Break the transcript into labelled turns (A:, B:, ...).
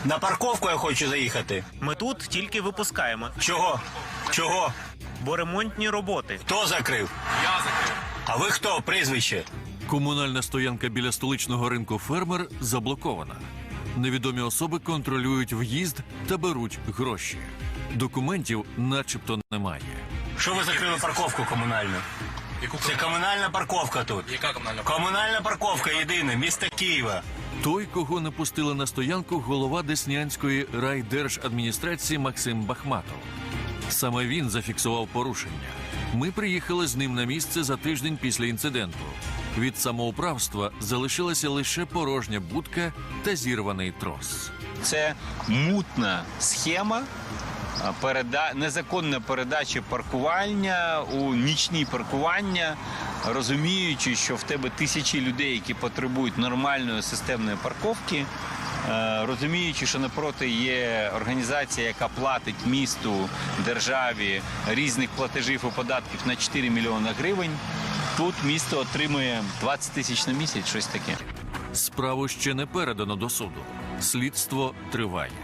A: На парковку я хочу заїхати.
B: Ми тут тільки випускаємо,
A: Чого? Чого?
B: бо ремонтні роботи.
A: Хто закрив?
C: Я закрив.
A: А ви хто? Прізвище?
D: Комунальна стоянка біля столичного ринку «Фермер» заблокована. Невідомі особи контролюють в'їзд та беруть гроші. Документів начебто немає.
A: Що ви закрили парковку комунальну? Це комунальна парковка тут.
C: Яка комунальна?
A: Комунальна парковка єдина, міста Києва.
D: Той, кого не пустили на стоянку, голова Деснянської райдержадміністрації Максим Бахматов. Саме він зафіксував порушення. Ми приїхали з ним на місце за тиждень після інциденту. Від самоуправства залишилася лише порожня будка та зірваний трос.
E: Це мутна схема незаконна передача паркування у нічні паркування, розуміючи, що в тебе тисячі людей, які потребують нормальної системної парковки, розуміючи, що напроти є організація, яка платить місту, державі різних платежів і податків на 4 мільйони гривень, тут місто отримує 20 тисяч на місяць, щось таке.
D: Справу ще не передано до суду. Слідство триває.